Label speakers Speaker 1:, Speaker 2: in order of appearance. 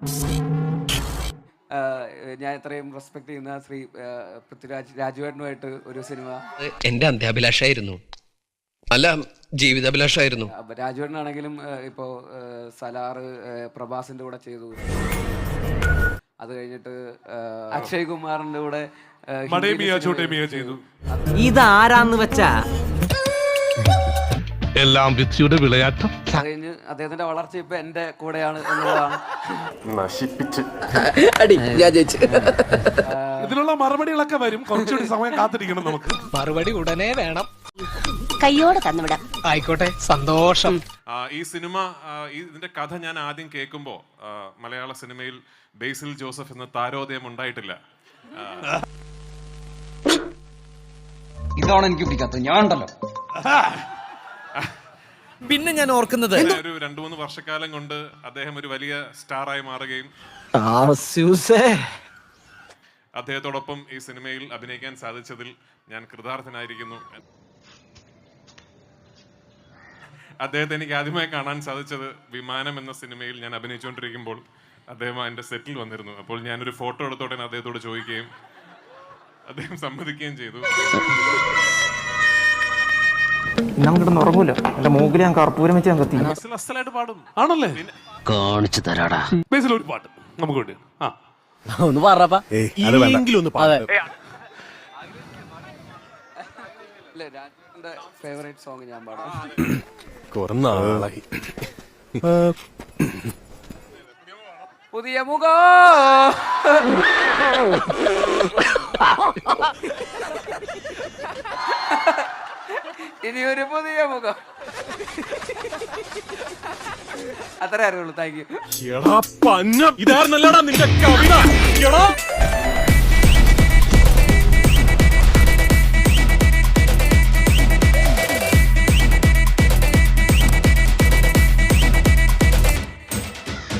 Speaker 1: ഞാൻ ഇത്രയും റെസ്പെക്ട് ചെയ്യുന്ന ശ്രീ പൃഥ്വിരാജ് രാജുവേട്ടനുമായിട്ട് ഒരു സിനിമ
Speaker 2: എന്റെ അന്ത്യാഭിലാഷായിരുന്നു, അല്ല ജീവിതാഭിലാഷായിരുന്നു.
Speaker 1: രാജുവേട്ടനാണെങ്കിലും ഇപ്പോൾ സലാറ് പ്രഭാസിന്റെ കൂടെ ചെയ്തു. അത് കഴിഞ്ഞിട്ട് അക്ഷയ് കുമാറിന്റെ കൂടെ
Speaker 3: ചെയ്തു.
Speaker 4: ഇതാരാന്ന് വെച്ചാ
Speaker 3: എല്ലാം വിധിയുടെ വിളയാട്ടം.
Speaker 1: കഴിഞ്ഞ് അദ്ദേഹത്തിന്റെ വളർച്ച ഇപ്പൊ എന്റെ കൂടെയാണ് എന്നുള്ളതാണ്.
Speaker 3: ഇതിനുള്ള മറുപടികളൊക്കെ വരും, കുറച്ചുകൂടി സമയം കാത്തിരിക്കണം നമുക്ക്.
Speaker 2: മറുപടി ഉടനെ വേണം.
Speaker 5: കയ്യോടെ തന്നുവിടാം.
Speaker 2: ആയിക്കോട്ടെ, സന്തോഷം.
Speaker 6: ഈ സിനിമ ഇതിന്റെ കഥ ഞാൻ ആദ്യം കേൾക്കുമ്പോൾ മലയാള സിനിമയിൽ ബേസിൽ ജോസഫ് എന്ന താരോദയം ഉണ്ടായിട്ടില്ല.
Speaker 4: ഇതാണ് എനിക്ക് പിടിക്കാത്തത്. ഞാൻ ഉണ്ടല്ലോ. പിന്നെ ഞാൻ ഓർക്കുന്നത്
Speaker 6: ഒരു 2-3 വർഷക്കാലം കൊണ്ട് അദ്ദേഹം ഒരു വലിയ സ്റ്റാറായി മാറുകയും അദ്ദേഹത്തോടൊപ്പം ഈ സിനിമയിൽ അഭിനയിക്കാൻ സാധിച്ചതിൽ ഞാൻ കൃതാർത്ഥനായിരിക്കുന്നു. അദ്ദേഹത്തെ എനിക്ക് ആദ്യമായി കാണാൻ സാധിച്ചത് വിമാനം എന്ന സിനിമയിൽ ഞാൻ അഭിനയിച്ചുകൊണ്ടിരിക്കുമ്പോൾ അദ്ദേഹം എൻ്റെ സെറ്റിൽ വന്നിരുന്നു. അപ്പോൾ ഞാനൊരു ഫോട്ടോ എടുത്തോടെ അദ്ദേഹത്തോട് ചോദിക്കുകയും അദ്ദേഹം സമ്മതിക്കുകയും ചെയ്തു.
Speaker 7: ഞാൻ കിടന്ന് ഉറങ്ങൂല, എന്റെ മൂക്കിൽ ഞാൻ കർപ്പൂരം വെച്ച് ഞാൻ കത്തി.
Speaker 6: അസലായിട്ട് പാടും
Speaker 3: ആണല്ലേ?
Speaker 2: കാണിച്ചു തരാടാ.
Speaker 3: ബേസിൽ ഒരു പാട്ട് നമുക്ക് വേണ്ടി
Speaker 4: ഒന്ന് പറപ്പാ.
Speaker 1: രാജുവിന്റെ ഫേവറേറ്റ് സോങ് ഞാൻ പാടാം. പുതിയ മുഖം ഇനിയൊരു പുതിയ മുഖം. അത്രേ അറിയുള്ളൂ. Thank you.
Speaker 3: ഇതായിരുന്നല്ലടാ നിന്റെ കവിത.